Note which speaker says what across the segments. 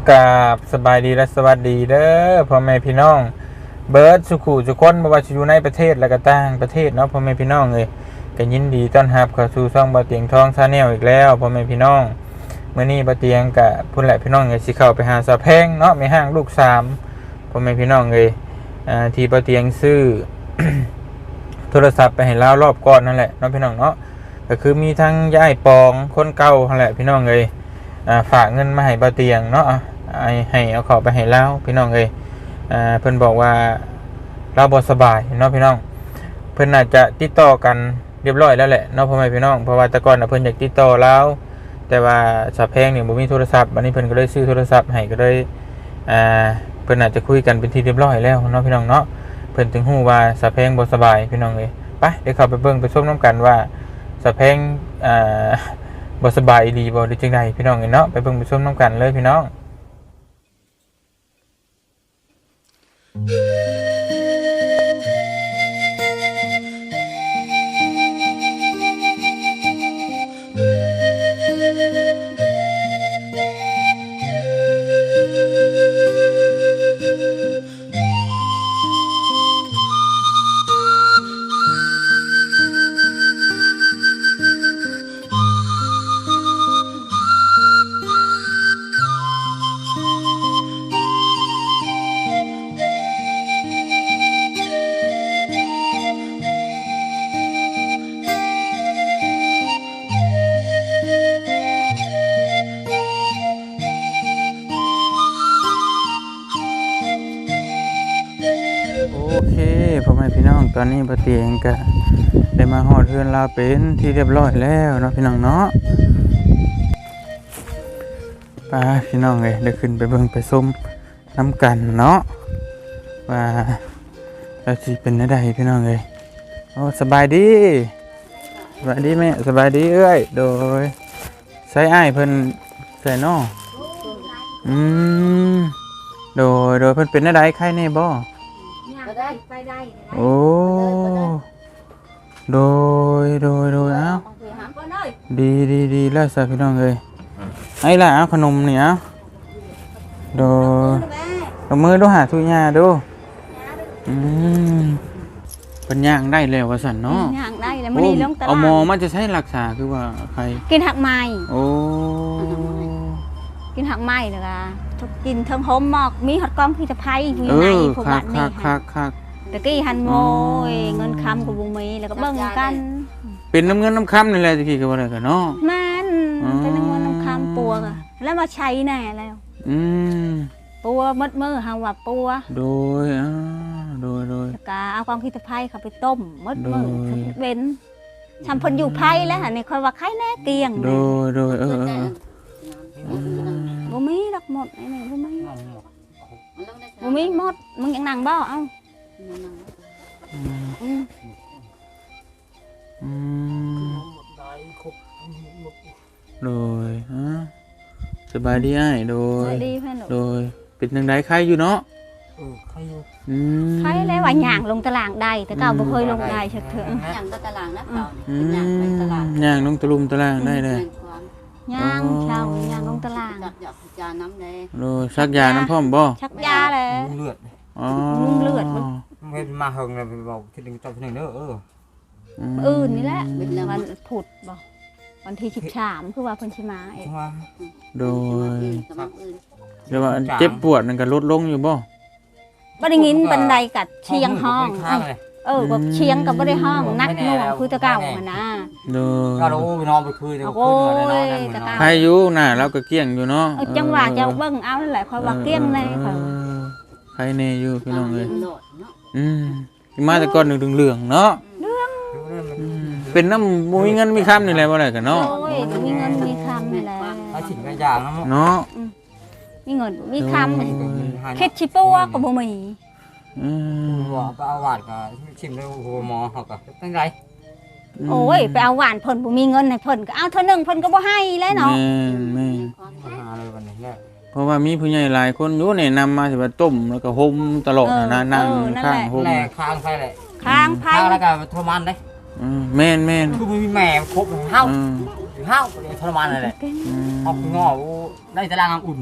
Speaker 1: กราบสบายดีและสวัสดีเด้อพ่อแม่พี่น้องเบิร์ดสุขุสุคนบ่ว่าจะอยู่ในประเทศและก็ต่างประเทศเนาะพ่อแม่พี่น้องเลยก็ยินดีต้อนรับเข้าสู่ช่องบ่าวเตียงทองชาแนลอีกแล้วพ่อแม่พี่น้องมื้อนี้บ่าวเตียงก็พุ่นแหละพี่น้องก็สิเข้าไปหาสะแพงเนาะมีห้างลูก3พ่อแม่พี่น้องเลยที่บ่าวเตียงซื้อ โทรศัพท์ไปให้ลาวรอบก่อนนั่นแหละเนาะพี่น้องเนาะก็คือมีทั้งยายปองคนเก่านั่นแหละพี่น้องเลยฝากเงินมาให้บ่าวเตียงเนาะให้เอาเข้าไปให้ลาวพี่น้องเลยเพิ่นบอกว่าเราบ่สบายเนาะพี่น้องเพิ่นน่าจะติดต่อกันเรียบร้อยแล้วแหละเนาะพ่อแม่พี่น้องเพราะว่าแต่ก่อนเพิ่นอยากติดต่อเราแต่ว่าสะแพงเนี่ยบ่มีโทรศัพท์วันนี้เพิ่นก็เลยซื้อโทรศัพท์ให้ก็เลยเพิ่นน่าจะคุยกันเป็นที่เรียบร้อยแล้วเนาะพี่น้องเนาะเพิ่นถึงฮู้ว่าสะแพงบ่สบายพี่น้องเอ้ยไปเดี๋ยวเข้าไปเบิ่งไปชมนํกันว่าสะแพงบ่สบายอีหลีบ่หรือจังไดพี่น้องเอ้ยเนาะไปเบิ่งไปชมนํกันเลยพี่น้องโอเคพ่อแม่พี่น้องตอนนี้บ่าวเตียงก็ได้มาฮอดเรือนลาวเป็นที่เรียบร้อยแล้วเนาะพี่น้องเนาะไปพี่น้องเอ้ยได้ขึ้นไปเบิ่งไปชมนํกันเนาะว่าแล้วสิเป็นจังไดพี่น้องเอ้ยโอ้สบายดีสบายดีแม่สบายดีเอ้ยโดยใช้อ้ายเพิ่นใส่เนาะโดยเพิ่นเป็นจังไดไข้แน่บ่
Speaker 2: ไปได้
Speaker 1: โอ้โดยเอ้าดีแล้วสิพี่น้องเอ้ยไอ้ล่ะเอาขนมนี่เอาโดยเอามือดูหาทุยาดูเป็นย่างได้แล้วว่าซั่นเนาะ
Speaker 2: ย่างได้แล้วมื้อนี้ลงตลาด
Speaker 1: เอาหมอมันจะใช้รักษาคือว่าใคร
Speaker 2: กินหักไม้
Speaker 1: โอ้
Speaker 2: กินหักไม้แล้วก็ทุกกินทั้งหอมหมอกมีฮอดกล้องพิษภัยอยู่ในพวกบ้านนี่
Speaker 1: คัก
Speaker 2: ตะกี้หันโง่เงินคำกับบุมีแล้วก็เบิ่งกัน
Speaker 1: เป็นน้ำเงินน้ำคำนี่แหละตะกี้ก็บ่ได้กันเนาะ
Speaker 2: แม่นเป็นน้ำเงินน้ำคำปัวก็แล้วมาใช้แน่แล้วปัวมัดมือเฮาว่าปัว
Speaker 1: โดย
Speaker 2: ก็เอากล้องพิษภัยเข้าไปต้มมัดมือเว้นทำเพิ่นอยู่ไผแล้วหั่นนี่ค่อยว่าไข่แน่เกลี้ยง
Speaker 1: โดย
Speaker 2: บ่มีดอกหมดนี่บ่มีหมดมึงยังนั่งบ่เอ้า
Speaker 1: โดยสบายดีอ้ายโดยเป็นจังได๋ใครอยู่เนาะ
Speaker 2: ใครอยู่ใครแล้วว่าย่างลงตารางได้แต่ก็บ่เคยลงได้ชักเถอะ
Speaker 3: ย่างตารางนะย่างไปตลาด
Speaker 1: ย่างลงตะลุมตารางได้เลย
Speaker 2: ย่างเช้าย่างลงตาราง
Speaker 3: ชักยาน้ำเลย
Speaker 1: โดยชักยาน้ำพร้อมบ่
Speaker 2: ชักยาเลย
Speaker 4: เลือด
Speaker 2: เลือด
Speaker 4: ไม่มาเฮงเลยบอกคิดถึงตอนนึงเด้อ
Speaker 2: อื่นนี่แหละวันผุดบ่วันที่13คือว่าเพิ่นสิมาเอง
Speaker 1: โดยเดี๋ยวว่าเจ็บปวดนั่นก็ลดลงอยู่บ่
Speaker 2: ได้ยินบันไดกัดเชียงห้องแบบเชียงกับบ่ได้ห้องนักหน่วงคือตะเก่าหั่นนะ
Speaker 4: ก็รู้ไปนอนไปคืน
Speaker 2: โอ้ย
Speaker 1: ใครอยู่น่ะเราก็เกี้ยงอยู่เนาะ
Speaker 2: จังหวะจะเบิ่งเอานั่นแหละค่อยว่าเกี้ยงแน่ค่ะ
Speaker 1: ใครแน่อยู่พี่น้องเอ้ยมาแต่ก่อนเหลืองเนาะเป็นน้ำบ่มีเงินมีคำนี่แหละบ่ได้กันเนาะ
Speaker 2: โอ้ยมีเงินมีคำนี่แหละ
Speaker 4: เอาสิ่งกันอย่าง
Speaker 1: เนาะ
Speaker 2: มีเงินมีคำเค็ดชิปัวก็บ่มี
Speaker 4: ว่าไปเอาหวานก็ชิมแล้วหัวหมอเฮาก็เป็นไร
Speaker 2: โอ้ยไปเอาหวานเพิ่นบ่มีเงินให้เพิ่นก็เอาเท่านึงเพิ่นก็บ่ให้แล้วเนาะ
Speaker 1: แม่
Speaker 4: หาเลยวันนี้แหละ
Speaker 1: เพราะว่ามีผู้ใหญ่หลายคนอยู่นี่นำมาสิว่าต้มแล้วก็ห่มตลอดนะนั่งข้างห่ม
Speaker 4: ข้างไผแหละ
Speaker 2: ข้างไผ
Speaker 4: แล้วก็ทรมานเด้
Speaker 1: แม่น
Speaker 4: คือมีแม่ครบเฮาทรมานนั่นแหละออกงอได้ตารางอุ่นเนาะ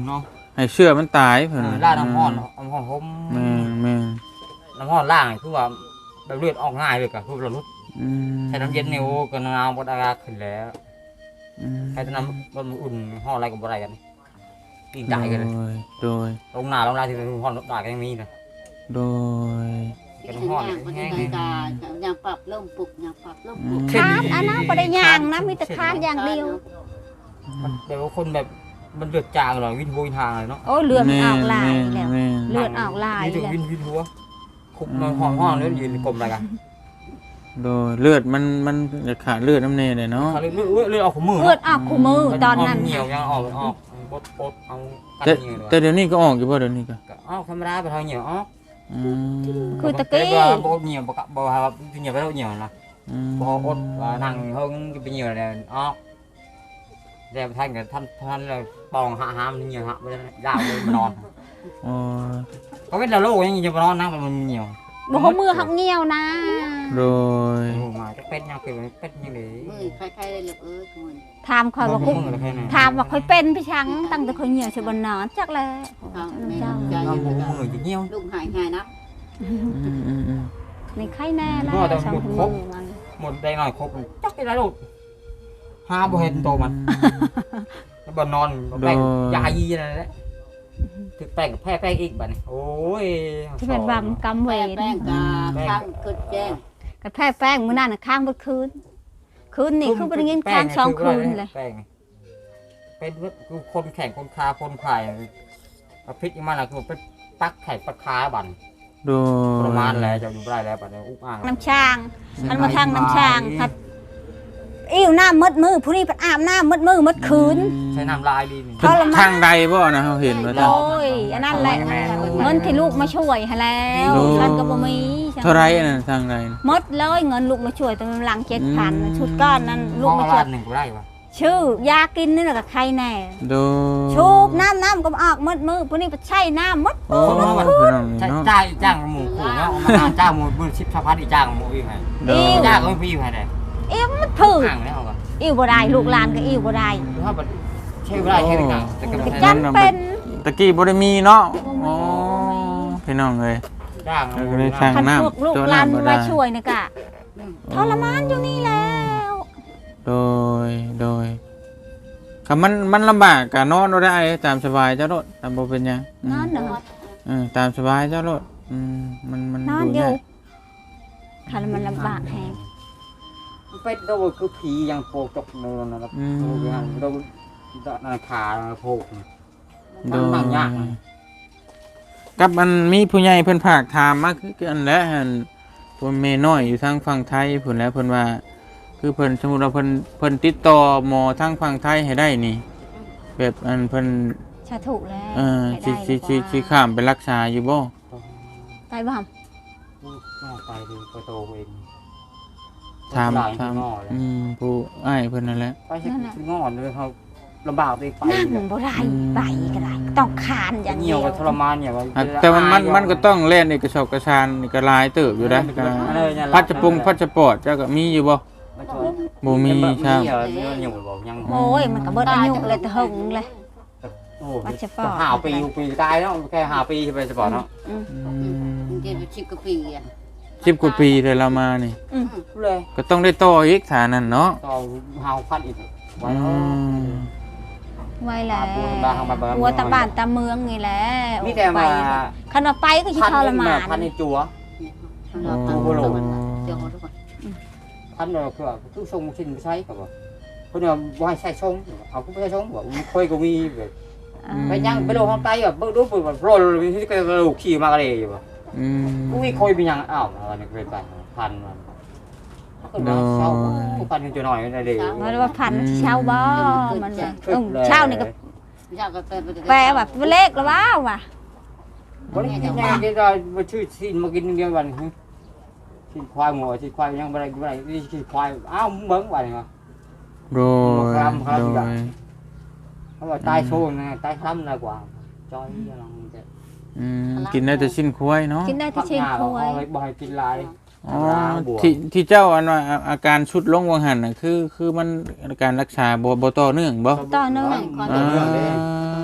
Speaker 1: ให้เชื่อมันตายเพิ่น
Speaker 4: ล่าน้ำห้อนน้ำห้อนผม
Speaker 1: แม่นแม่น
Speaker 4: น้ำห้อนล่างคือว่าแบบเลือดออกง่ายเลยกะคือเราลุก
Speaker 1: อืม
Speaker 4: ใช้น้ำเย็นนิ้วก็น้ำบดอากาศขึ้นแล้ว
Speaker 1: อืม
Speaker 4: ใช้น้ำมันอุ่นห้อนอะไรกับอะไรกันกินใจกันเลย
Speaker 1: โดย
Speaker 4: ลงหน้าลงหน้าที่เป็นห้อนตายก็ยังมีเลย
Speaker 1: โดย
Speaker 4: เป็น
Speaker 3: เป็น
Speaker 4: ห้อน
Speaker 3: ย่างมัน
Speaker 4: แห้ง
Speaker 3: เป็นกาอย่างปรับเริ่มปลุกอย่างปรับเริ่มปลุก
Speaker 2: คานอันนั้นบ่ได้ย่างนะมีแต่คานอย่างเดียว
Speaker 4: แต่ว่าคนแบบมันเลือดจางหน่อยวินหัววินทางเลยเนาะ
Speaker 2: โอ้ยเลือดมันออกลายแล้ว
Speaker 1: แม่น
Speaker 2: เลือดออกลาย
Speaker 4: มีถึง
Speaker 2: แล้ว
Speaker 4: วินหัวคุบนอนห้องแล้วยืนกลมอะไรกัน
Speaker 1: โดยเลือดมันจะขาดเลือดน้ำเนยเลยเนาะ
Speaker 4: เลือดออกของมือ
Speaker 2: เลือดออกคู่มือตอนนั้น
Speaker 4: เหนียวยังออกปดเอากัด
Speaker 1: แต่
Speaker 4: เหนียวเลย
Speaker 1: แต่เดี๋ยวนี้ก็ออกอยู่บ่เดี๋ยวนี้ก็
Speaker 4: อ้าวธรรมดาไปทางเหนียวอ๋อ
Speaker 1: อืม
Speaker 2: คือตะกี้
Speaker 4: บ่เหนียวบ่บ่ครับเหนียวไปแล้วเหนียวนะ
Speaker 1: อืม
Speaker 4: บ่อดนั่งเฮิงไปเหนียวเลยอ๋อแล้วท่านกับท่านเลยปองหามเหนียวฮะไม่ได้ยาวเลยมานอน
Speaker 1: อ๋อ
Speaker 4: ก็เป็นละโลยังจะมานอนนั่งมันเหนียว
Speaker 2: บ่ฮู้มือหักเหี่ยวนะ
Speaker 1: โดย
Speaker 4: มาจะเป็นยังเป็นเป็นยังไง
Speaker 3: มือใครๆเลยเออทุกคน
Speaker 2: ถามข่อยว่าคุ
Speaker 4: แค่ไหน
Speaker 2: ถามว่าข่อยเป็นพี่ชังตั้งแต่ข่อยเหี่ยวสิบ่นอนจักแล
Speaker 3: เอาแม่
Speaker 2: เจ้า
Speaker 3: ใจ
Speaker 4: เอา
Speaker 3: เย็น
Speaker 4: มือจะเหนียว
Speaker 3: ลูกหายง่ายนะ
Speaker 1: อืม
Speaker 2: ในไข้แน่แล้ว
Speaker 4: ก็ต้อง
Speaker 2: สอง
Speaker 4: หมด
Speaker 2: คน
Speaker 4: ครบ
Speaker 2: มัน
Speaker 4: หมดได้หน่อยครบจักได้ลูกหาบ่เห็นโตมันแล้วบ่นอนแป้งยายีนั่นแหละถึกแป้งแพ้แป้งอีกบัดนี้โอ้ย
Speaker 2: ที่เป็นบำกำเว
Speaker 3: แป้
Speaker 2: รง
Speaker 3: กาข้างกึดแจ้ง
Speaker 2: กระแพ้แป้งมื้อนั้นน่ะค้างเบิดคืนคืนนี่คือบ่ได้ยินค้างสองคืนเลย
Speaker 4: แป้งเป็นคือคนแข่งคนคาคนขายประพิษมันล่ะคือเป็นปักแข่งปักคาบัน
Speaker 1: โด
Speaker 4: ป
Speaker 1: ย
Speaker 4: ระมาณแล้วจะอยู่ได้แล้วบัดนี้อุกอ่าง
Speaker 2: น้ำช้างมันมาทางน้ำช้างครับอิ่วน้ำมดมือผู้นี้ไปอาบน้ำมดมือมดคืน
Speaker 4: ใช้น้ำลายดีนี่
Speaker 2: ทรมาน
Speaker 1: ทางใดบ่นะเขาเห็นว่า
Speaker 2: โอ้ยอันนั้นแหละเงินที่ลูกมาช่วยให้แล้ว
Speaker 1: โอ้
Speaker 2: ฉันก็บ่มี
Speaker 1: เท่าไรอันนั้นทางใดน่ะ
Speaker 2: หมดเลยเงินลูกมาช่วยแต่มันหลัง7,000ชุดก้อนนั้นลู
Speaker 4: ห้
Speaker 2: ก
Speaker 4: อง
Speaker 2: มา
Speaker 4: ละ
Speaker 2: ช่ว
Speaker 4: ล้าย นหนึ่งก็ได้ปะ
Speaker 2: ชื่อยากินนี่แหละกับใครแน่
Speaker 1: โดย
Speaker 2: ชูบน้ำก็ออกมดมือผู้นี้ไปใช้น้ำมด
Speaker 1: โอ้พี่น้องนี่เนาะ
Speaker 4: จ้างหมูขู่เนาะมาจ้างหมูมือชิปชาพัดอีจ้างหมูอีกไง
Speaker 1: โดย
Speaker 4: จ้างก็ไม่พี่ไงเลย
Speaker 2: อิ่วมันถือ
Speaker 4: ห่างแล้วก็
Speaker 2: อิ่วบ่ได้ลูกหลานก็อิ่วบ่ได้
Speaker 4: คือถ้าแบบใช้เวลาใช้กันแต่ก็
Speaker 2: ก็
Speaker 4: ไม่
Speaker 2: จำเป็น
Speaker 1: ตะกี้บ่ได้มีเนาะอ๋อพี่น้องเอ้ย
Speaker 4: จ้าง
Speaker 1: ก็เลยสร้าง
Speaker 2: คัน
Speaker 1: น้ำ
Speaker 2: พวกลูก
Speaker 1: ตัว
Speaker 2: หลาน
Speaker 1: น้ำบ่ได้
Speaker 2: มาช่วยนี่กะทรมานอยู่นี่แล้ว
Speaker 1: โดยคำมันลำบากกะนอนบ่ได้ตามสบายเจ้าโลดตามบ่เป็นหยัง
Speaker 2: นอนเด้อ
Speaker 1: ตามสบายเจ้าโลดมัน
Speaker 2: นอน
Speaker 1: ดู
Speaker 2: อยู่
Speaker 1: ยาก
Speaker 2: คันมันลำบากแฮง
Speaker 4: เป็นตัวคือผียังโผล่จกเนินนะครับตัวนั้นตัวนาคาโผล่
Speaker 1: โด
Speaker 4: มัน
Speaker 1: ย
Speaker 4: ยาก
Speaker 1: กับมันมีผู้ใหญ่เพิ่นภาคถามมาคืออันแหละหั่นเพิ่นแม่น้อยอยู่ทางฝั่งไทยเพิ่นแหล้วเพิ่นว่าคือเพิ่นสมมุติว่าเพิ่นติดต่อหมอทางฝั่งไทยให้ได้นี่ แบบอันเพิ่น
Speaker 2: ชาถูกแล้ว
Speaker 1: สิข้ามไปรักษาอยู่บ่
Speaker 2: ไปบ่
Speaker 4: ไปดูประตูเอง
Speaker 1: ถามผู้อ้ายเพิ่นนั่นแหละ
Speaker 4: ไปใช้งอนเลยเขาลำบากไปไป
Speaker 2: นั่งบ่ได้ไปก็ได้ต้องคานอย่าง
Speaker 4: เหนี
Speaker 2: เดี
Speaker 4: ย
Speaker 2: ยว ว
Speaker 4: กับทรมานเนี่ย
Speaker 1: แต่มันก็ต้องเล่นเอกสารกระชานนี่ก็หลายเติบอยู่นะพัชปอร์ตเจ้าก็มีอยู่บ่บ่มีครับ
Speaker 2: โอ้ยมันก็เบิดอายุเลยแต่หึงเลย
Speaker 4: โอ้หาปีอยู่ปีตายแล้วแค่หาปีไปสปอร์ตเนาะ
Speaker 3: เดี๋ยวชิบกะปีอ่ะ
Speaker 1: 10 กว่าปีเลยเรามานี่
Speaker 4: เลย
Speaker 1: ก็ต้องได้ต่ออีกฐานนั้นเนาะ
Speaker 4: ต่อหาพันอีกไว้
Speaker 2: ไว้แล้ว
Speaker 4: บัว
Speaker 2: หัวตะบ้านตะเมืองนี่แหละ
Speaker 4: นี่แต่มา
Speaker 2: คันว่าไปก็สิทรมาน
Speaker 4: พันในจัว
Speaker 3: เราตั้งโลเดี๋ยวทุกคน
Speaker 4: พันเราคือทรงชิ้นใช้กับว่าคนเดียวว่าให้ใช้ทรงเอาผู้ใช้ทรงว่าค่อยก็มีแบบไปยังไปโลห้องไตแบบเบิ่งดูแบบโรลที่กระดูกขี่มากระเดยแบบอุ้ยค่อยเป็นยังอ้าวอะไรนี่เป็นไปพันมันก็มาเช่าผู้พันจะหน่อยในเดียว
Speaker 2: มันว่าพันเช้าบ่มันเช้านี่ก็
Speaker 3: อยากก็เป็น
Speaker 2: แปลแบบเลขแล้วว่ะ
Speaker 4: บริกินยังกินได้มาชื่อชิ้นมากินเดียวกันชิ้นควายหมูชิ้นควายยังอะไรนี่ชิ้นควายอ้าวเบิ้งวันเหรอ
Speaker 1: โดย
Speaker 4: เขาบอกตายโชว์นะตายคล้ำนะกว่าจอยยังจะ
Speaker 1: กินได้แต่ชิ้นควายเนาะ
Speaker 2: กินได้ที่เชียงควย
Speaker 4: บ่อยกินลาย
Speaker 1: อ๋อที่เจ้าอันว่าอาการชุดลงวังหันน่ะคือมันการรักษาบ่ต่อเนื่องบ่
Speaker 2: ต่อเนื่อง
Speaker 1: อ่า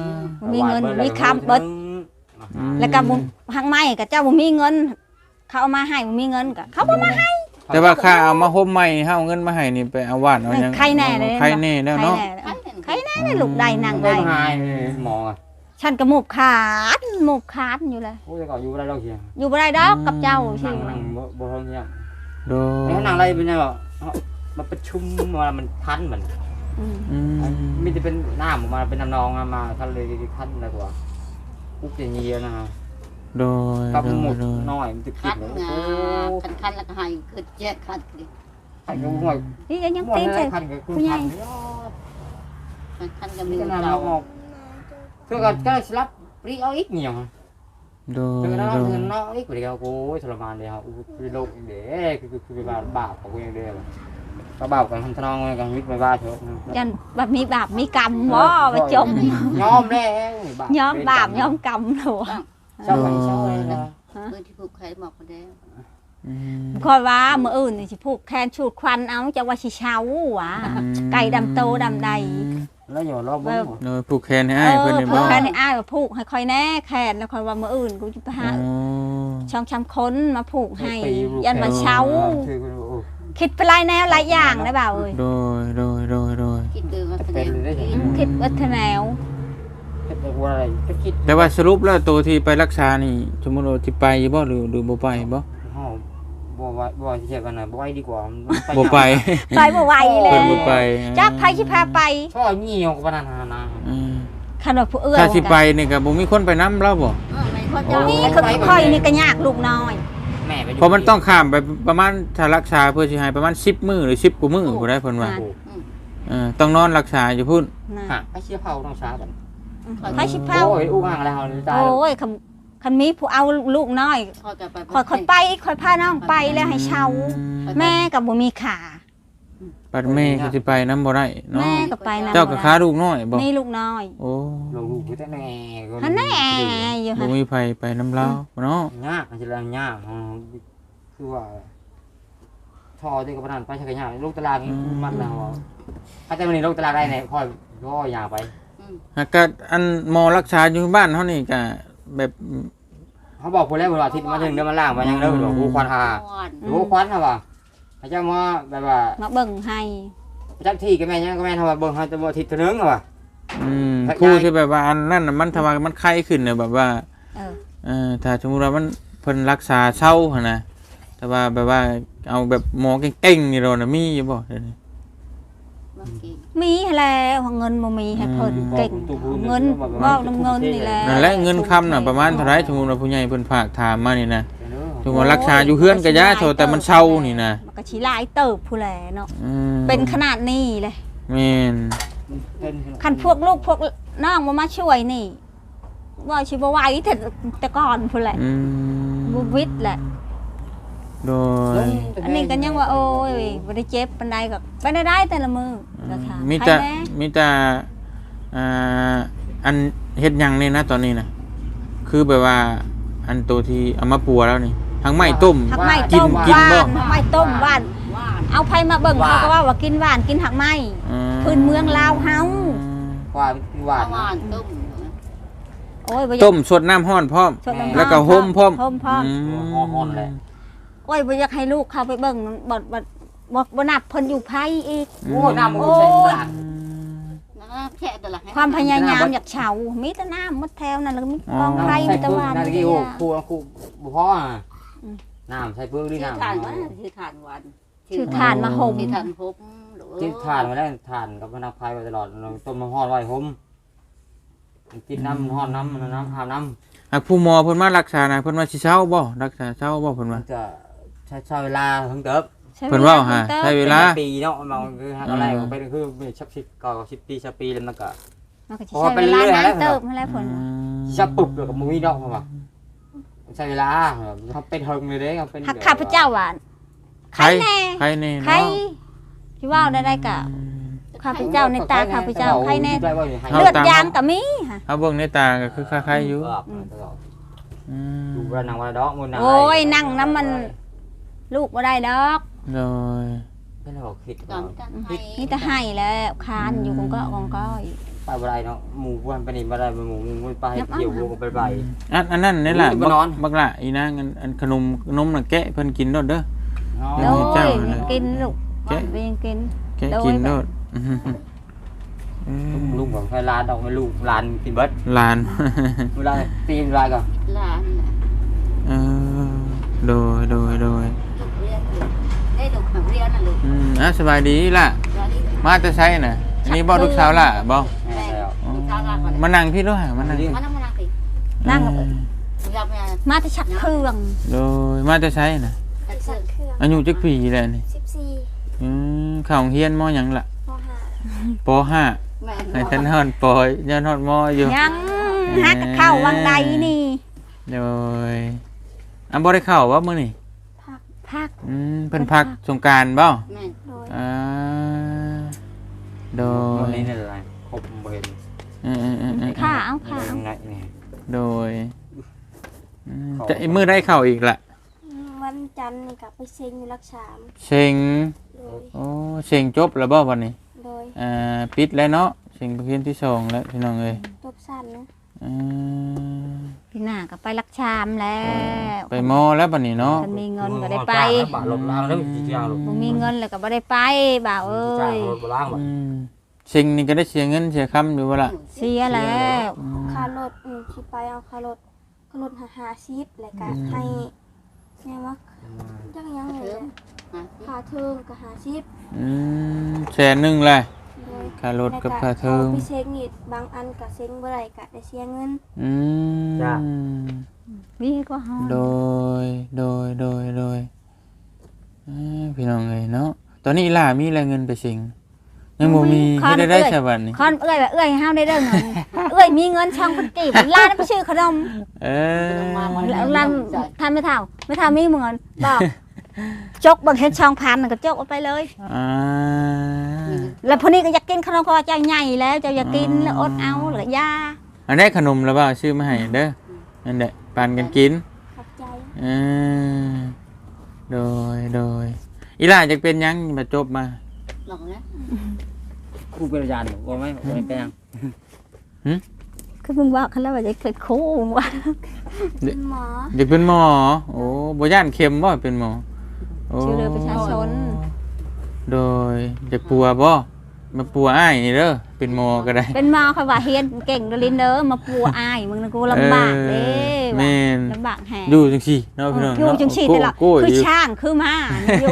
Speaker 2: มีเงินมีคำเบิดแล้วก็บ่ทางไม้ก็เจ้าบ่มีเงินเขาเอามาให้บ่มีเงินก็เขาบ่มาให้
Speaker 1: แต่ว่าค่าเอามาห่มใหม่เฮาเอาเงินมาให้นี่ไปเอาว่านเอาหยัง
Speaker 2: ใครแน่เลย
Speaker 1: ใครแน่แล้วเนาะ
Speaker 2: ใครแน่เลยลูกได้นั่ง
Speaker 4: ได้
Speaker 2: ได้
Speaker 4: หายหมอ
Speaker 2: ฉันก็หมูกขาดอยู่เลย
Speaker 4: โอ้ยก่อนอยู่บ่ได้ดอกเฮีย
Speaker 2: อยู่บ่ได้ดอกกับเจ้าสิ
Speaker 4: นั่งบ่ท้องเฮีย
Speaker 1: โด
Speaker 4: แล้วนั่งอะไรเป็นไงบ่มันประชุมมามันทันมัน
Speaker 2: อืม
Speaker 1: อืม
Speaker 4: มีแต่เป็นน้ำออกมาเป็นน้ำนองมาทันเลยทันอะไรกว่าปุ๊บอย่างนี้นะฮะ
Speaker 1: โดย
Speaker 4: กับหมด
Speaker 1: โดย
Speaker 4: น้อยมันติด
Speaker 3: คัน
Speaker 4: เลย
Speaker 3: งา
Speaker 4: โอ้
Speaker 3: คันแล้วก็ให้เกิดแยกคันดิ
Speaker 4: ขันกับห่วย
Speaker 2: นี่ยัง
Speaker 4: ห่วย
Speaker 2: ตีน
Speaker 4: เล
Speaker 2: ใส่
Speaker 4: ยขันกับคุณขัน
Speaker 3: คันก็
Speaker 4: มี
Speaker 3: มี
Speaker 4: แต่
Speaker 3: เจ้า
Speaker 4: น้ำออกเพื่อก็สลับปรีเอาอีกเนี่ย
Speaker 1: โดย
Speaker 4: เพื่อน้
Speaker 1: โดย
Speaker 4: ำน้องอีกเดียวโอ้ยทรมานเลยครับคือโลกเด้คือเป็นบาปของกูอย่างเดียวก็บาปกันทำทนองกันวิทย์ไม่บ้าเถอะ
Speaker 2: ยันแบบมีบาปมีกรรมบ่ไปจม
Speaker 4: ยอมแล้ว
Speaker 2: ย้อมบาปย้อมกรรมหนู
Speaker 4: เช่าไปเช่าเลยนะ
Speaker 3: เมื่อที่ผูกใครบอกมาแล้ว
Speaker 1: อืม
Speaker 2: คอยว่ามื้ออื่นนี่สิผูกแขนชูดควันเอาจะว่าสิเช้าหวะไก่ดำโตดำใด
Speaker 4: แล้วอย่ารอบบ้าง
Speaker 1: โดยผูกแขนให้อ้ายเพิ่นนี่
Speaker 2: ผู
Speaker 1: บ่
Speaker 2: กแขนให้อ้ายว่าผูกให้คอยแน่แขนแล้วคอยว่ามื้ออื่นกูจะไปหา
Speaker 1: อ๋อ
Speaker 2: ช่องช้ำค้นมาผูกให้ยันมาเช้า
Speaker 4: คือ
Speaker 2: คิดไปหลายแนวหลายอย่างได้เปล่าเอ้ย
Speaker 1: โดยโดยโดยโดย
Speaker 3: คิดดูว่าแสดง
Speaker 2: คิดวัฒแนว
Speaker 4: เป็นอะไรก็คิด
Speaker 1: แต่ว่าสรุปแล้วตัวที่ไปรักษานี่สมมุติว่าสิไปบ่หรือบ่ไปบ่
Speaker 4: ห้องบ่เทียบกันนะบ่ไว้ดีกว่า
Speaker 1: บ่ไป
Speaker 2: ไปบ่ไหวเล
Speaker 1: เพิ่
Speaker 2: ย
Speaker 1: นบ่ไป
Speaker 2: จักไผสิพาไป
Speaker 4: ช่อเหี่ยวกับปานนา
Speaker 1: อืม
Speaker 2: คันว่าผู้เอื้อ
Speaker 1: ถ้าสิไปนี่ก็บ่มีคนไปนำเราบ่
Speaker 3: ไม่ค่อยจะ
Speaker 2: นี่คือค่อยนี่ก็ยากลูกน้อย
Speaker 4: แม่ไป
Speaker 1: เพราะมันต้องข้ามไปประมาณถ้ารักษาเพื่อสิให้ประมาณ10มื้อหรือ10กว่ามื้อบ่ได้เพิ่นว่าต้องนอนรักษาอยู่พุ่น
Speaker 2: นะ
Speaker 4: ฮะไปเชี่ยเผาต้องช้ากัน
Speaker 2: ไผสิพา
Speaker 4: โอ้ยอู้ห่างแล้วตาย
Speaker 2: โอ้ยคันมีผู้เอาลูกน้อย
Speaker 3: ค่อยจะไป
Speaker 2: ค่อยไปค่อยพาน้องไปแล้วให้เช่าแม่ก็บ่มีขา
Speaker 1: ปัดแม่ก็สิไปนำบ่ได้เนาะ
Speaker 2: แม่ก็ไปนำ
Speaker 1: เจ้าก็ค้าลูกน้อยบ่
Speaker 2: นี่ลูกน้อย
Speaker 1: โอ้
Speaker 4: ลูกแต่แน่
Speaker 2: หันแน่อยู่
Speaker 1: บ่
Speaker 2: หั่น
Speaker 1: มีไผไปนำเราเนาะ
Speaker 4: ยากจะแล้วยากคือว่าทอที่กับปานไปใช้กันยากลูกตารางนี่มันแล้วถ้าแต่วันนี้ลูกตารางได้ไหนค่อยก็อยากไป
Speaker 1: หากก็อันหมอรักษาอยู่บ้านเฮานี่ก็แบบ
Speaker 4: เขาบอกคนแรกว่าอาทิตย์มาถึงเดือนมาล่างมายังเลิกบอกกูควันหากูควันฮะว่ะพระเจ้ามาแบบว่า
Speaker 2: มาเบิ่งให้
Speaker 4: จักที่ก็แม่ยังก็แม่ทำว่าเบิ่งเขาจะบ่อาทิตย์นึงฮะว่ะ
Speaker 1: ผู้ที่แบบว่าอันนั้นน่ะมันถ้าว่ามันไข้ขึ้นเนี่ยแบบว่า
Speaker 2: เออ
Speaker 1: ถ้าสมมุติว่ามันเพิ่นรักษาเศร้าหั่นนะแต่ว่าแบบว่าเอาแบบหมอเก่งๆนี่เราน่ะมีอยู่บ่เดี๋ยวนี้
Speaker 2: มีแล้วเงินบ่มีให้เพิ่นเก่งเงินบ่นำเงินนี่แหละ
Speaker 1: นั่นแหละเงินคำน่ะประมาณเท่าไหร่สมมุติว่าผู้ใหญ่เพิ่นฝากถามมานี่นะสมมุติว่ารักษาอยู่เฮือนก็ยาโทแต่มันเศร้านี่นะ
Speaker 2: มันก็สิหลายเติบผู้แลเนาะ
Speaker 1: อืม
Speaker 2: เป็นขนาดนี้เลย
Speaker 1: แม่น
Speaker 2: คันพวกลูกพวกน้องมาช่วยนี่ว่าสิบ่ไหวแต่ก่อนผู้แหละ
Speaker 1: อืม
Speaker 2: บ่วิทย์แหละ
Speaker 1: โดย
Speaker 2: อันนี้ก็ยังว่าโอ้ยบ่ได้เจ็บปานใดก็ไปได้แต่ละมือนะคะ
Speaker 1: มีแต่
Speaker 2: ใครน่
Speaker 1: มีแต่อันเฮ็ดหยังนี่นะตอนนี้นะคือแบบว่าอันตัวที่เอามาปัวแล้วนี่ทั้งไม้ต้ม
Speaker 2: หักไม้
Speaker 1: กิ
Speaker 2: ต้
Speaker 1: น
Speaker 2: ม
Speaker 1: กิน
Speaker 2: ห
Speaker 1: บ่
Speaker 2: วานหักไม้ต้มหวานเอาไผมาเบิ่งเขาก็ว่ากินหวานกินหักไม้ พื้นเมืองลาวเฮา
Speaker 4: ความหวาน
Speaker 3: หวานต้ม
Speaker 2: โอ้ยบ่อยาก
Speaker 1: ต้มสดน้ำร้อนพร้อม
Speaker 2: สดน้ำ
Speaker 1: แล้วก็ห่มพร้อม
Speaker 2: ห่มพร้อม
Speaker 4: อ่อนเลย
Speaker 2: โอ้ยบ่อยากให้ลูกเข้าไปเบิ่งบ่นับเพิ่นอยู่ไผอีก
Speaker 4: โอ้น้ำมันใส่หวาน
Speaker 3: แค่แต่ละ
Speaker 2: ความพยายามอยากเฉามีแต่น้ำมดแถวนั่นแล้วก็มีกองไฟมีแต่หวาน
Speaker 4: นาฬิกาโอ้ครูบุพ่อน้ำใส่เปลือกนี่
Speaker 3: ชื่อ
Speaker 4: น้ำ
Speaker 3: ทานว่าชื่อทานวัน
Speaker 2: ชื่อทานมาห่ม
Speaker 3: ชื่อทานพบ
Speaker 4: ที่ทานมาได้ทานกับนักพายไปตลอดเราต้มน้ำห้อนไว้ผมกินน้ำห้อนน้ำน้ำหาน้ำ
Speaker 1: หากผู้หมอเพิ่นมารักษานะเพิ่นว่าสิเช้าบ่รักษาเช้าบ่เพิ่น
Speaker 4: มั
Speaker 1: ว่า
Speaker 4: นจะใช้เวลาทั้งเติบ
Speaker 1: เพิ่นเว้าหาใช้เวลา
Speaker 4: ปีเนาะมันคืออะไรไปคือชัก10ก่อ10 ปีแล้วมันก็
Speaker 2: มันก็สิใช้เวลานั้นเติมอะไรผล
Speaker 4: ชักปุบกับมุ้ยดอกมาใช้เวลาเขาเป็นเฮงเลยเด้เขาเป็น
Speaker 2: หักข้าพเจ้าหวานใครแน่
Speaker 1: ใครแน่
Speaker 2: ใคร
Speaker 1: เนาะ
Speaker 2: ที่ว่าได้กะข้าพเจ้าในตาข้าพเจ้าใครแน่เลือดยางก็มีค่ะ
Speaker 1: เอาเบิ่งในตาก็คือคล้ายๆอยู่
Speaker 4: ดูว่านางวันดอกมัน
Speaker 2: โอ้ยนั่งน้ำมันลูกบ่ได้ดอก
Speaker 1: โดย
Speaker 4: เป็นเราคิด
Speaker 3: ก่อนกันให้
Speaker 2: นี่จะให้แล้วคานอยู่กองก็กองก้อย
Speaker 4: คไปบ่ได้เนาะหมู่บ้านไปนี่บ่ได้หมู่ไปเกี่ยววงไปไป
Speaker 1: อันนั้นนี่แหละ
Speaker 4: บ่นอน
Speaker 1: บักละอีนางอันขนมน่ะแกะเพิ่นกินโดดเด้อ
Speaker 2: โด
Speaker 1: เจ้าย น่ะ
Speaker 2: กินลูกไปยังกิน
Speaker 1: แกะกินโดด
Speaker 4: ลุงบอกให้ลานดอกให้ลูกลานกินเบิด
Speaker 1: หลาน
Speaker 4: เวลาตีนลายก็
Speaker 3: หลาน
Speaker 1: เออโดย
Speaker 3: ลูกเรียนได้ลูกเรียนน่ะลูก
Speaker 1: สบายดีล่ะ มาแต่ไสน่ะอันนี้บ่ลูกสาวล่ะบ่
Speaker 4: แม่แล้ว
Speaker 3: ลูกสาวลาก่อน
Speaker 1: มานั่งพี่ด้วยมานั่ง
Speaker 3: มานั่งสิ
Speaker 2: นั่ง
Speaker 3: เราไป
Speaker 2: มาแต่ชักเครื่อง
Speaker 1: โดยมาแต่ไสน่ะ
Speaker 3: สักเครื่อง
Speaker 1: อายุจักปีแล้วนี่
Speaker 5: 14
Speaker 1: เข้าโรงเรียนมหยังล่ะ
Speaker 5: ป .5
Speaker 1: ป .5
Speaker 3: แม่
Speaker 1: ให้ท่านฮอดปยันฮอดมอยู่
Speaker 2: ยังฮักเข้าวังใดนี่
Speaker 1: โดยบ่ได้เข้าว่ามื้อนี้
Speaker 2: พัก
Speaker 1: เพิ่นพักสงกรานต์บ่
Speaker 3: แม่
Speaker 5: โดย
Speaker 1: อ่าโด
Speaker 4: วัน
Speaker 1: ย
Speaker 4: นี้นี่อะไรครบบ่เห็น
Speaker 2: ข้าเอาข้าเอา
Speaker 4: ไหนนี่
Speaker 1: โดยจะมื้อได้เข้าอีกล่ะ
Speaker 5: วันจันทร์นี่ก็ไปเซ็งอยู่รักษา
Speaker 1: เซ็ง
Speaker 5: โดย
Speaker 1: โอ้เซ็งจบแล้วบ่วันนี้
Speaker 5: โดย
Speaker 1: ปิดแล้วเนาะเซ็งประเภทที่2แล้วพี่น้องเอ้ย
Speaker 5: จบสั้นนะ
Speaker 2: พี่หน้าก็ไปรักชามแล้ว
Speaker 1: ไปมอแล้วบัดนี้เนาะ
Speaker 2: ถ้ามีเงินก็ได้ไป
Speaker 4: บาทลบล้างแล้วสิเอาลูก
Speaker 2: บ่มีเงินแล้วก็บ่ได้ไปบ่าวเอ้
Speaker 4: จ้าง
Speaker 2: ย
Speaker 4: รถบ่ล้างบ่
Speaker 1: เซ็งนี่ก็ได้เสียเงินเสียคำอยู่บ่ล่ะ
Speaker 2: เสียแล้ว
Speaker 5: ค่ารถที่ไปเอาค่ารถ50แล้วก็ให้แม่ว่าจักยังเลยค่าเทอมก็50
Speaker 1: แสนหนึงแหละ
Speaker 5: โดย
Speaker 1: ค่ารถกับค่าเทอม
Speaker 5: ไปเซ็งนี่บางอันก็เซ็งบ่ได้ก็ได้เสียเงิน
Speaker 2: มีก็ฮอด
Speaker 1: โดยพี่น้องเอ้ยเนาะตอนนี้อีหล่ามีรายเงินไปสิงยังบ่มีเฮ็ดได้ใช่บัดนี้
Speaker 2: คอนเอ้ยว่าเอ้ยเฮาได้เด้อเงินเอ้ยมีเงินช่องพันกีบร้านไปซื้อขนม แล้วร้านทำไม่เท่ามีเงินบอกจกบางเห็นช่องพันก็จกเอาไปเลย แล้วพอนี้ก็อยากกินขนมก็เจ้าใหญ่แล้วเจ้าอยากกินแล้วอดเอาหรือยา
Speaker 1: อันได้ขนมแล้วบ่ซื้อมาให้เด้อนั่นแหละปานกันกิน
Speaker 5: ขอบใจ
Speaker 1: โดยอีหล่าจะเป็นหยังมาจบมา
Speaker 3: หลอกนะ
Speaker 4: ครูเป็นอาจารย์บ่ไหมบ่แปลง
Speaker 2: คือมึงว่าเขาแล้วว่าจะเป็นครูว่า
Speaker 5: เป็นหมอ
Speaker 1: เด็กเป็นหมอโอ้บ่ย่านเข็มบ่เป็นหมอโอ้
Speaker 2: ชื่อเรือประชาชน
Speaker 1: โดยจะปัวบ่มาปัวอ้ายนี่เด้อเป็นหมอก็ได้
Speaker 2: เป็นหมอเขาว่าเฮียนเก่งเดลินเด้อมาปัวอายมึงนะกูลำบากเด้
Speaker 1: แม่น
Speaker 2: ลำบากแฮะ
Speaker 1: อยู่จังซี่เนาะพี่น้อง
Speaker 2: อยู่จังซี่แต่ละคือช่างคือม้าอยู่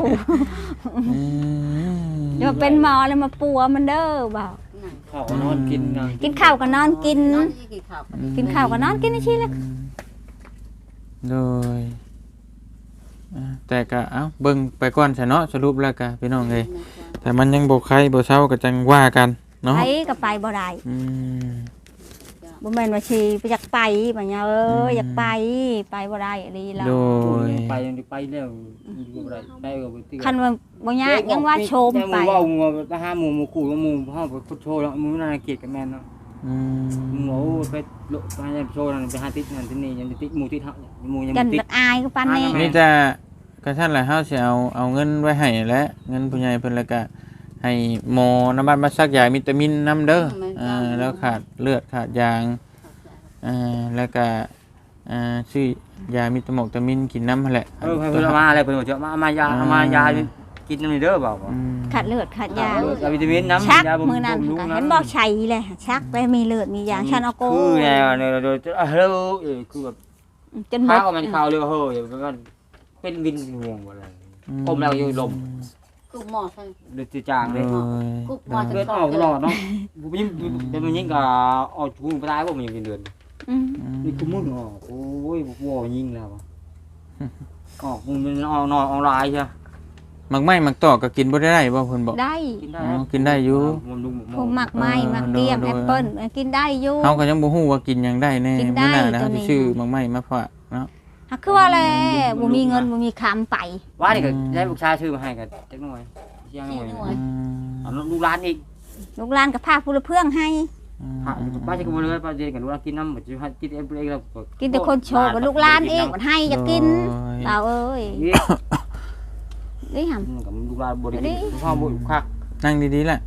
Speaker 2: เดี๋ยวเป็นหมอแล้วมาปัวมันเด้อบอก
Speaker 4: ข้าวนอนกินนะ
Speaker 2: กินข้าวก็นอนกิน
Speaker 3: นอนกินข้าว
Speaker 2: กินข้าวก็นอนกินนี่ชี้เลย
Speaker 1: โดยแต่ก็เอ้าเบิ่งไปก่อนซะเนาะสรุปแล้วก็พี่น้องเอ้ยแต่มันยังบ่ใครบ่เซาก็จังว่ากันเนาะ
Speaker 2: ไปก็ไปบ่ได้ บ่แม่นว่าสิไปอยากไปบัดเนี้ยอยากไปบ่ได้อีแล้ว
Speaker 1: โดย
Speaker 4: ไปยังไปแล้วอยู่บ่ได้ไปก็บ่ติ
Speaker 2: คันว่าบ่ยากยังว่าโชมไป
Speaker 4: เว้าไปหาหมู่คู่กับหมู่เฮาไปโชว์แล้วหมู่น่าเกลียดกับแม่นเนาะหมู่ไปโลไปหาโชว์นั่นไปหาติดนั่นที่นี่ยังติดหมู่ติดเฮาหมู่ยัง
Speaker 2: กัน
Speaker 4: ติด
Speaker 2: บัดอายก็ปานนี้
Speaker 1: นี่จะกระทั่นแหละเฮาสิเอาเงินไว้ให้และเงินผู้ใหญ่เพิ่นแล้วก็ให้หมอน้ำมันมาซักยาวิตามินนำเด้อแล้วขาดเลือดขาดยางแล้วก็ซื้อยามิตามินกินน้ำหั่นแหละ
Speaker 4: เพิ่นเอามาอะไรเพิ่นบอกจะมายากินนี่เด้อบ่
Speaker 2: ขาดเลือดขาดยา
Speaker 4: ยาวิตามินน้ำ
Speaker 2: ชัก
Speaker 4: ยาบำรุง
Speaker 2: มื้อนั้นก็เห็นบอกใช้เลยชักไปมีเลือดมียางฉันเอาโก
Speaker 4: คือแนวเนี่ยโดยเฮ้ยคือแบบ
Speaker 2: จนหม
Speaker 4: ข้า
Speaker 2: ด
Speaker 4: วมันข้าวเลยเฮ้ยมันเป็นวินห่วงบ่อะไรผมแล้วอยู่ลม
Speaker 3: กูหมอใช่
Speaker 4: เดือดจางเลย
Speaker 3: กูหมอจะ
Speaker 4: เลือดออกตลอดเนาะผมยิ่งเป็นมันยิ่งกับออกชูไปได้ผมยังเป็นเดือนนี่คือมึงออกโอ้ยวัวยิ่งแล้วออกมึงเป็นออกนอนออนไลน์ใช่
Speaker 1: มักไม้มักตอกก็กินบ่ได้บ่เพิ่นบอก
Speaker 2: ได้
Speaker 4: กินได้
Speaker 1: กินได้อยู่
Speaker 2: พวกหมักไม้หมักเตี้ยมแอปเปิ้ลกินได้อยู่
Speaker 1: เฮาก็ยังบ่ฮู้ว่ากินหยังได้แน่
Speaker 2: กินได้
Speaker 1: มื้อหน้านะ
Speaker 2: ตัว
Speaker 1: เฮา
Speaker 2: นี้
Speaker 1: สิซื้อมักไม้มาฝากเนาะ
Speaker 2: คือว่าแลบ่มีเงินบ่มีคำไป
Speaker 4: ว่านี่ก็ได้ลูกชายชื่อมาให้กันจักหน่อยเชียงหน่อยเอาลูกร้านอีก
Speaker 2: ลูกหลานก็พาผู้ละเพื่องให้
Speaker 4: ป้าจะกินเลยป้าจะกันลูกร้านกินน้ำเหมือนจะให้กินเองแล้ว
Speaker 2: กินแต่คนโชว์กับลูกหลานเองมันให้อยากกินเราเอ้ยนี่หำ
Speaker 4: กับลูกร้านบริกินพ่อบริคัก
Speaker 1: นั่งดีๆแหละ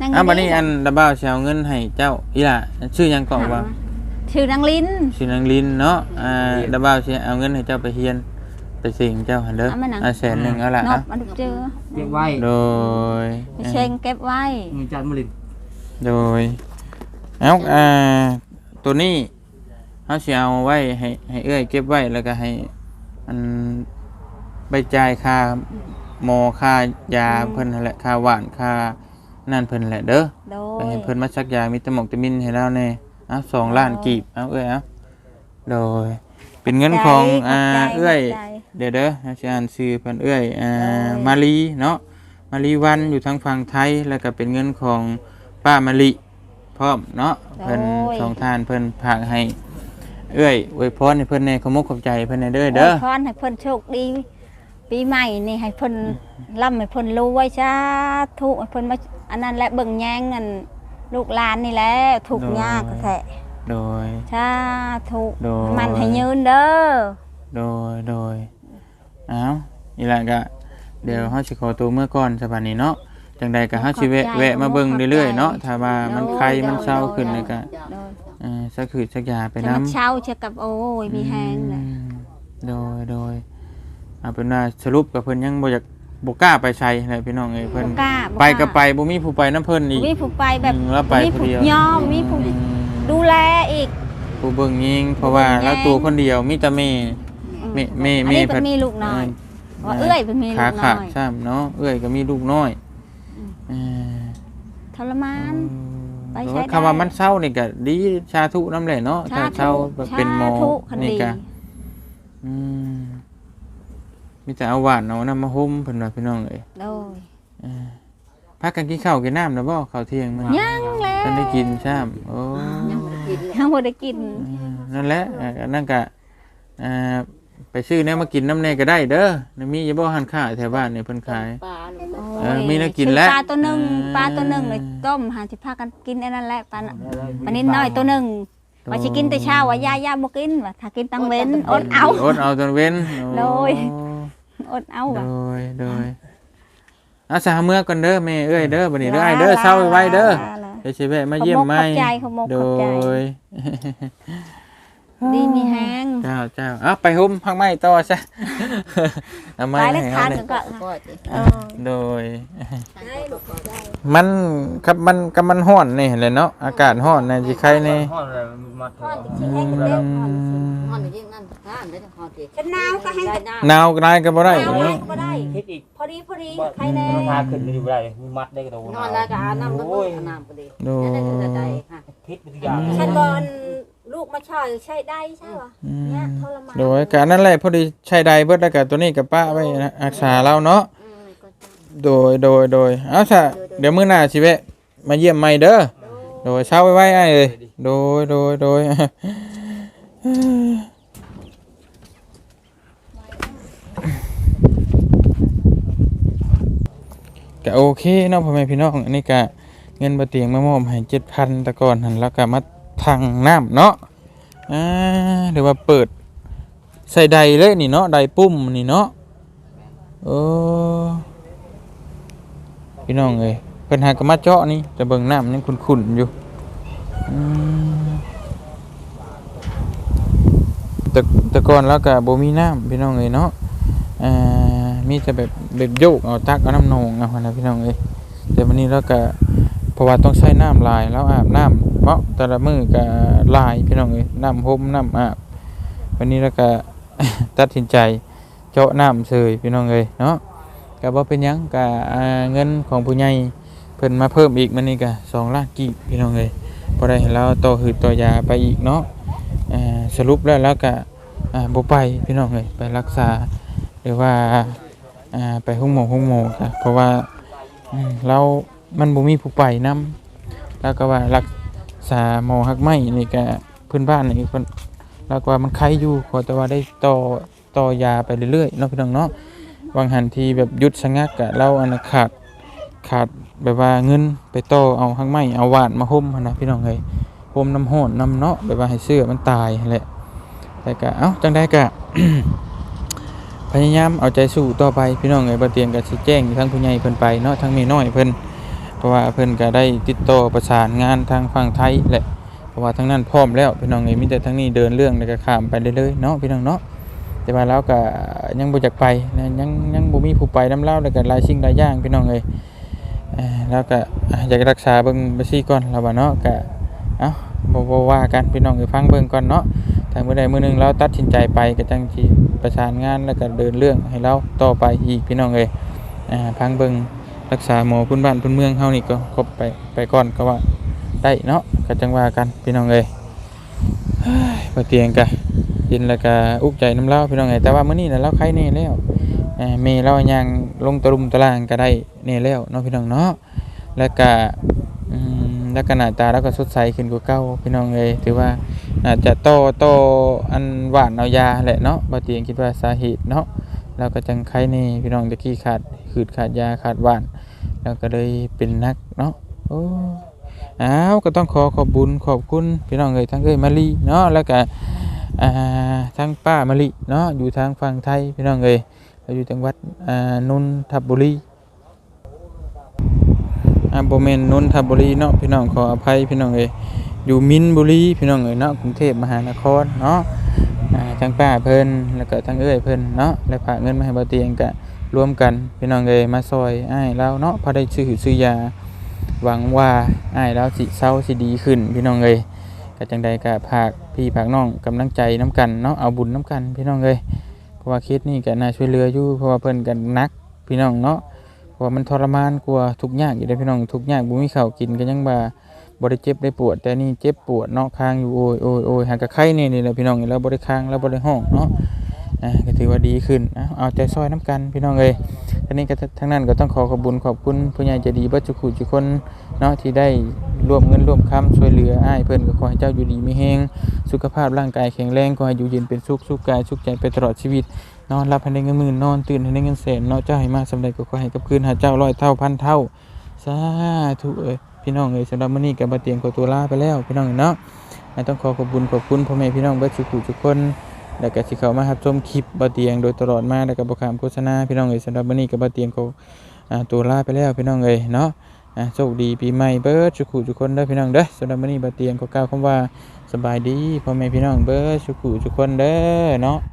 Speaker 1: บัดนี้อันดาบ่าวสิเอาเงินให้เจ้าอีหล่ะชื่อหยังก็ว่า
Speaker 2: ชื่อนางลิ้น
Speaker 1: ชื่อนางลินเนาะดาบ่าวสิเอาเงินให้เจ้าไปเฮียนไปสิงเจ้าหั่นเด้อแสนนึงเอาล่ะ
Speaker 2: น
Speaker 1: อ่ะ
Speaker 2: บมันเจอ
Speaker 4: เก็บไว้
Speaker 1: โดย
Speaker 2: ไปเชงเก็บไว้
Speaker 4: มือจันมลิน
Speaker 1: โดยเอาตัวนี้เฮาสิเอาไว้ให้เอื้อยเก็บไว้แล้วก็ให้อันไปจ่ายค่าหมอค่ายาเพิ่นนั่นแหละค่าหวานค่านั่นเพิ่นแหละเด้อ
Speaker 2: โด
Speaker 1: ไป
Speaker 2: ย
Speaker 1: ให้เพิ่นมาซักยามีตะหมกตะมินให้แล้วแน่เอา2 ล้านกีบเอาเอ้ยเอาโดยเป็นเงินของเอ้ยเดี๋ยวเด้อสิอ่านชื่อเพิ่นเอ้ยมาลีเนาะมาลีวันอยู่ทางฝั่งไทยแล้วก็เป็นเงินของป้ามะลิพร้อมเนาะเพิ่นสองท่านเพิ่นฝากให้เอ้ยอวยพรให้เพิ่นในขอบมุกขอบใจเพิ่นในเด้อ
Speaker 2: พรให้เพิ่นโชคดีปีใหม่นี่ให้เพิ่นร่ำให้เพิ่นรวยสาธุให้เพิ่นมาอันนั้นแหละเบิ่งแยงกันลูกหลานนี่แหละทุกข์ยากแท้
Speaker 1: โดย
Speaker 2: สาธุ
Speaker 1: โดย
Speaker 2: มันให้ยืนเด้อ
Speaker 1: โดยอ้าวนี่แหละก็เดี๋ยวเฮาสิขอตัวเมื่อก่อนสบัดนี้เนาะจังใดก็เฮาสิแวะมาเบิ่งเรื่อยๆเนาะถ้าว่ามันไข้มันเศร้าขึ้นนี่ก็
Speaker 2: โดย
Speaker 1: สักคือสักยาไป
Speaker 2: จะ
Speaker 1: น้ำ
Speaker 2: มาเช่าเชื่อกับโอ้ยมีแฮงเลย
Speaker 1: โดยเอาเป็นว่าสรุปกับเพิ่นยังบ่อยากบ่กล้าไปใช้อะไรพี่น้องเอ้ยเพิ่น
Speaker 2: บ่กล้า
Speaker 1: ไปก็ไปบ่มีผู้ไปน้ำเพิ่นอีก
Speaker 2: มีผู้ไปแบบ
Speaker 1: แล้วไป
Speaker 2: มี
Speaker 1: ผู้
Speaker 2: ผู้
Speaker 1: เดียว
Speaker 2: ยอมมีผู้ดูแลอีก
Speaker 1: ผู้เบิ่งยิงเพราะว่าแล้วตัวคนเดียวมีแต่แม่
Speaker 2: อันนี้เป็นมีลูกน้อยว่าเอื้อยเป็นมีลู
Speaker 1: ขาก
Speaker 2: น้
Speaker 1: ขาด
Speaker 2: อย
Speaker 1: ซ้ำเนาะเอ้ยก็มีลูกน้อยเออ
Speaker 2: ทรมาน ไปใช้
Speaker 1: แต่ว่า
Speaker 2: ได้
Speaker 1: คำว่ามันเศร้านี่ก็ดีชาทุน้ำแหละเนาะถ้าเศร้าเป็นหมอ
Speaker 2: สาธุคัน
Speaker 1: นี่
Speaker 2: ดี
Speaker 1: ก็อืมมีแต่เอาหวานเอาน้ำมาห่มเพิ่นว่าพี่น้องเอ้ย
Speaker 2: โดย
Speaker 1: พักกันกินข้าวกินน้ำนะบ่ข้าวเที่ยงมัน
Speaker 2: ยังแล้ว
Speaker 1: ท่านได้กินใช่ไหมโอ้
Speaker 3: ยังไม่ได้กินเลย
Speaker 2: ยังบ่ได้กิน
Speaker 1: นั่นแหละนั่นก็ไปซื้อเนี่ยมากินน้ำเนยก็ได้เด้อนี่มีอย่าบ่หันข้าวแถวบ้านเนี่ยเพิ่นขาย
Speaker 3: ปลาลูก
Speaker 2: โอ้ย
Speaker 1: มีแล้วกินแล้ว
Speaker 2: ซื้อปลาตัวหนึงปลาตัวหนึงเลยต้มหาสิพากันกินไอ้นั่นแหละปลาน่ะปลานิดน้อยตัวหนึงว่าสิกินแต่เช้าว่าย่าบ่กินว่าถ้ากินตังเว้นอดเอา
Speaker 1: อดเอาจนเว้น
Speaker 2: โดย อดเอาว่ะ
Speaker 1: โดยอาสาเมื่อก่อนเด้อแม่เอ้ยเด้อบัดนี้เด้อไอ้เด้อเช้าไว้เด้อเดี๋ยวสิแวะมาเยี่ยมใหม่
Speaker 2: ขอบมก
Speaker 1: โด
Speaker 2: ขอบใจ
Speaker 1: ย
Speaker 2: ดีมีแฮง
Speaker 1: เจ้าเอาไปห่มพักไม้ต่อซะเอาไม้
Speaker 2: ไป
Speaker 1: ให้
Speaker 2: แล้ว
Speaker 1: เอา
Speaker 2: ทาน
Speaker 1: เลย
Speaker 2: กันก็
Speaker 3: ก็จะ
Speaker 2: เออ
Speaker 1: โดย
Speaker 3: ได้ลูกก็ได้
Speaker 1: มันครับมันร้อนนี่แหละเนาะอากาศร้อนนะสิใครนี่
Speaker 4: ห้องอะไรมาถอด
Speaker 3: ห้องนี้นั่นห้ามได้ห้องที่
Speaker 2: ฉันหนาวก็ให้
Speaker 3: ได้น้
Speaker 1: หนาวก็ได้ก็บ่ได้
Speaker 2: หนาว
Speaker 1: เนาะ
Speaker 2: ก็ได้
Speaker 4: คิดอีก
Speaker 2: พอดีใครแน่
Speaker 4: ราคาขึ้นอยู่ไรมีมัดได้กระโดด
Speaker 3: ำนอนแล้วก็อาน้ำต้องน้ำก็ดี
Speaker 1: โดย
Speaker 3: นั่นคือใจค่ะ
Speaker 4: คิดทุกอย่าง
Speaker 2: ฉันก่อนลูกมาช่อยใช้ได้ใช่ป่ะเนี่ยทรมาน
Speaker 1: โดยการนั่นแหละพอดีใช้ใดเบิดแล้วก็ตัวนี้กับป้าไว้นะรักษาเราเนาะโดยเอาซะเดี๋ยวมื้อหน้าสิแวะมาเยี่ยมใหม่เด้อโดยเช้าไว้ไอ้เอ้ยโดยก็โอเคเนาะพ่อแม่พี่น้องอันนี้ก็เงินบ่เตียงมามอบให้ 7,000 แต่ก่อนหั่นแล้วก็มาทางน้ำเนาะหรือว่าเปิดใส่ใดเลยนี่เนาะใดปุ่มนี่เนาะโอ้พี่น้องเอ้ยเพิ่นหากนมาเจาะนี่แต่เบิ่งน้ำยังขุ่นๆอยู่แต่ก่อนแล้วก็บ่มีน้ำพี่น้องเอ้ยเนาะมีแต่แบบโยกเอาตักเอาน้ำนองเอานะพี่น้องเอ้ยแต่วันนี้แล้วก็เพราะว่าต้องใช้น้ำลายแล้วอาบน้ำเพราะแต่ละมื้อก็ลายพี่น้องเอ้ยน้ำห่มน้ำอาบวันนี้แล้วก็ ตัดสินใจเจาะน้ำเสยพี่น้องเอ้ยเนาะก็บ่เป็นหยังก็เงินของผู้ใหญ่เพิ่นมาเพิ่มอีกมื้อนี้ก็2 ล้านกีบพี่น้องเอ้ยบ่ได้ให้เราต่อหืดต่อยาไปอีกเนาะสรุปแล้วก็บ่ไปพี่น้องเอ้ยไปรักษาหรือว่าไปห้องหมอค่ะเพราะว่าเรามันบ่มีผู้ไปนํแล้วก็ว่ารักษาหมอฮักไม้นี่ก็เพิ่นบ้านนี่เพิ่นแล้วก็ว่ามันไข้อยู่ขอแต่ว่าได้ต่อยาไปเรื่อยๆเนาะพี่น้องเนาะบางหันทีแบบหยุดชะงักกะเราอันขาดแบบว่าเงินไปต่อเอาฮักไม้เอาหวานมาห่มหั่นนะพี่น้องเอ้ยห่มน้ำร้อนน้ำเนาะแบบว่าให้เสื้อมันตายนั่นแหละแต่ก็เอ้าจังได๋ก็ พยายามเอาใจสู้ต่อไปพี่น้องเอ้ยบ่เตียงก็สิแจ้งทั้งผู้ใหญ่เพิ่นไปเนาะทั้งแม่น้อยเพิ่นเพราะว่าเพิ่นก็ได้ติดต่อประสานงานทางฝั่งไทยแหละเพราะว่าทางนั้นพร้อมแล้วพี่น้องเอ้ยมีแต่ทางนี้เดินเรื่องแล้วก็ข้ามไปเลยๆเนาะพี่น้องเนาะแต่ว่าเราก็ยังบ่อยากไปนะยังบ่มีผู้ไปนำเราแล้วก็หลายสิ่งหลายอย่างพี่น้องเอ้ยแล้วก็อยากรักษาเบิ่งไปซี่ก่อนแล้วว่าเนาะก็เอ้าบ่ว่ากันพี่น้องเอ้ยฟังเบิ่งก่อนเนาะถ้ามื้อใดมื้อหนึงเราตัดสินใจไปก็จังสิประสานงานแล้วก็เดินเรื่องให้เราต่อไปอีกพี่น้องเอ้ยฟังเบิ่งรักษาหมอพื้นบ้านพื้นเมืองเฮานี่ก็ครบไปก่อนก็ว่าได้เนาะก็จังว่ากันพี่น้องเอ้ยบ่เตียงกะกินแล้วก็อุกใจน้ำเล่าพี่น้องเอ้ยแต่ว่ามื้อนี้น่ะเราไข้แน่แล้วแม่เราย่างลงตะลุมตะลางก็ได้แน่แล้วเนาะพี่น้องเนาะแล้วก็แล้วก็หน้าตาเราก็สดใสขึ้นกว่าเก่าพี่น้องเอ้ยถือว่าน่าจะโตอันหวานเอายาแหละเนาะบ่เตียงคิดว่าสาเหตุเนาะเราก็จังไข้แน่พี่น้องตะกี้ขาดยาขาดหวานแล้วก็เลยเป็นนักเนาะโอ้ก็ต้องขอบบุญขอบคุณพี่น้องเอ้ยทั้งเอ้ยมะลิเนาะแล้วก็ทั้งป้ามะลิเนาะอยู่ทางฝั่งไทยพี่น้องเอ้ยอยู่จังหวัดนนทบุรีบ่แม่นนนทบุรีเนาะพี่น้องขออภัยพี่น้องเอ้ยอยู่มินบุรีพี่น้องเอ้ยเนาะกรุงเทพมหานครเนาะทั้งป้าเพิ่นแล้วก็ทั้งเอ้ยเพิ่นเนาะแล้วฝากเงินมาให้บ่เตียงก็รวมกันพี่น้องเอ้ยมาซอยอ้ายเราเนาะพอได้ซื้อยาหวังว่าอ้ายเราสิเซาสิดีขึ้นพี่น้องเอ้ยก็จังใดก็ฝากพี่ฝากน้องกำลังใจน้ำกันเนาะเอาบุญน้ำกันพี่น้องเอ้ยเพราะว่าเคสนี้ก็น่าช่วยเหลืออยู่เพราะว่าเพิ่นก็หนักพี่น้องเนาะเพราะว่ามันทรมานกว่าทุกข์ยากอยู่เด้อพี่น้องทุกข์ยากบ่มีข้าวกินก็ยังบ่ได้เจ็บได้ปวดแต่นี่เจ็บปวดเนาะค้างอยู่โอยหากะไข้นี่แหละพี่น้องแล้วบ่ได้ค้างแล้วบ่ได้ห้องเนาะก็ถือว่าดีขึ้นเอาใจซอยน้ำกันพี่น้องเอ้ยทีนี้ก็ทั้งนั้นก็ต้องขอบคุญขอบคุณผู้ใหญ่ใจดีเบิดทุกคนเนาะที่ได้ร่วมเงินร่วมคำช่วยเหลืออ้ายเพิ่นก็ขอให้เจ้าอยู่ดีมีแรงสุขภาพร่างกายแข็งแรงขอให้อยู่เย็นเป็นสุขกายสุขใจไปตลอดชีวิตนอนหลับให้ได้เงินหมื่นนอนตื่นให้ได้เงินแสนเนาะเจ้าให้มาสำเร็จก็ขอให้กับคืนหาเจ้า100เท่าพันเท่าสาธุเอ้ยพี่น้องเอ้ยสำหรับมื้อนี้ก็บ่เตียงขอตัวลาไปแล้วพี่น้องเนาะต้องขอบคุณพ่อแม่พี่น้องเบิดทุกคนแล้วก็สิเข้ามารับชมคลิปบ่เตียงโดยตลอดมาแล้วก็บ่ข้ามโฆษณาพี่น้องเอ้ยสำหรับมื้อนี้ก็บ่เตียงขอตัวลาไปแล้วพี่น้องเอ้ยเนาะโชคดีปีใหม่เบิดทุกคนเด้อพี่น้องเด้อสำหรับมื้อนี้บ่เตียงขอกล่าวคำว่าสบายดีพ่อแม่พี่น้องเบิดทุกคนเด้อเนาะ